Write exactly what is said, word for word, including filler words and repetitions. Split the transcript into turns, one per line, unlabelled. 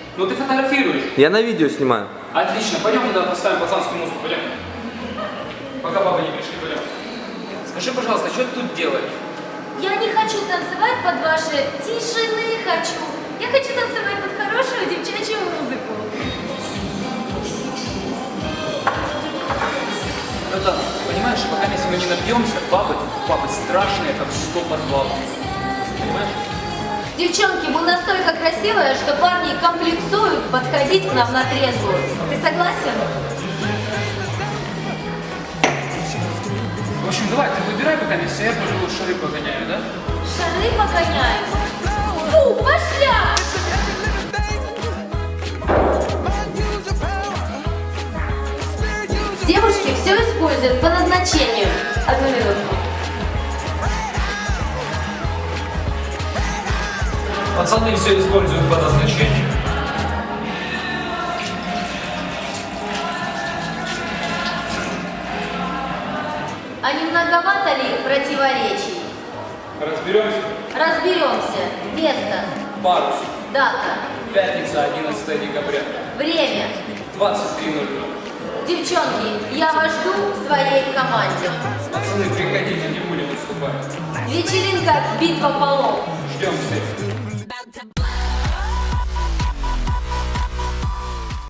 Ну ты фотографируешь.
Я на видео снимаю.
Отлично, пойдем туда поставим пацанскую музыку, пойдем. Пока папа не пришли, пойдем. Скажи, пожалуйста, что ты тут делаешь?
Я не хочу танцевать под ваши тишины хочу. Я хочу танцевать под хорошую девчачью музыку.
Братан, понимаешь, пока если мы не напьемся, бабы, бабы страшные, как сто подвалов. Понимаешь?
Девчонки, вы настолько красивые, что парни комплексуют подходить к нам на трезвую. Ты согласен?
В общем, давай, ты выбирай пока место, я пойду шары погоняю, да?
Шары погоняем. Фу, пошля! Девушки все используют по назначению. Одну минутку.
Пацаны все используют по назначению.
А не многовато ли противоречий?
Разберемся.
Разберемся. Место.
Парус.
Дата.
Пятница, одиннадцатое декабря.
Время.
двадцать три ноль ноль.
Девчонки, я вас жду в своей команде.
Пацаны, приходите, не будем уступать.
Вечеринка «Битва полов».
Ждем всех.